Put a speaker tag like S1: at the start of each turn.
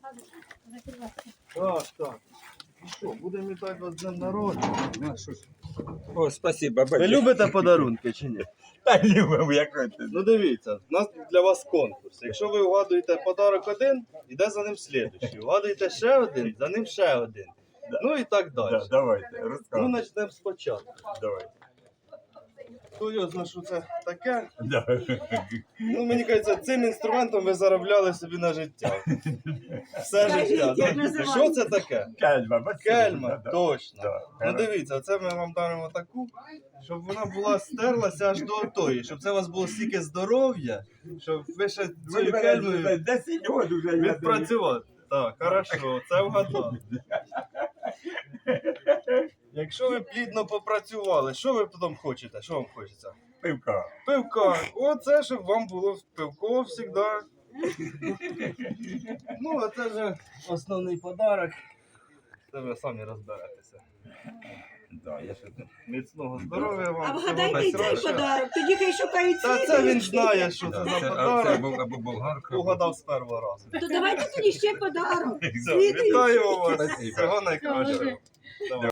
S1: Так, так. І що, будемо вітати вас з днем народження.
S2: О, спасибо,
S1: Ви
S2: батя.
S1: любите подарунки чи ні?
S2: Та любимо, як це.
S1: Ну дивіться, у нас для вас конкурс. Якщо ви вгадуєте подарок один, іде за ним слідуючий. Вгадуєте ще один, за ним ще один. Ну і так далі.
S2: Да, давайте,
S1: Ну,
S2: розказуй.
S1: почнемо спочатку.
S2: Давайте.
S1: Хто його знає, що це таке?
S2: Да.
S1: Ну, мені кажеться, цим інструментом ви заробляли собі на життя. Все життя. Ну, що це таке?
S2: Кельма, бачите?
S1: Кельма,
S2: Да.
S1: точно.
S2: Да.
S1: Ну дивіться, це ми вам даримо таку, щоб вона була стерлася аж до тої, щоб це у вас було стільки здоров'я, щоб ви ще цією кельмою
S2: 10 років вже я
S1: відпрацювати. Так, хорошо, це вгадали. Якщо ви плідно попрацювали, що ви потім хочете? Що вам хочеться?
S2: пивка.
S1: Пивка. Оце, щоб вам було пивко завжди. Ну, а це вже основний подарок. Це ви самі розберетеся.
S2: Да, я ще тут.
S1: Міцного здоров'я вам.
S3: А
S1: всього
S3: вгадайте і цей
S1: найкращого.
S3: подарок, тоді хай шукають
S1: Та це він знає, що це за
S2: Це
S1: подарок.
S2: або болгарка.
S1: Угадав з першого разу.
S3: То давайте тоді ще подарок.
S1: Все, вітаю вас.
S2: Спасибо.
S1: Всього найкращого. Давай.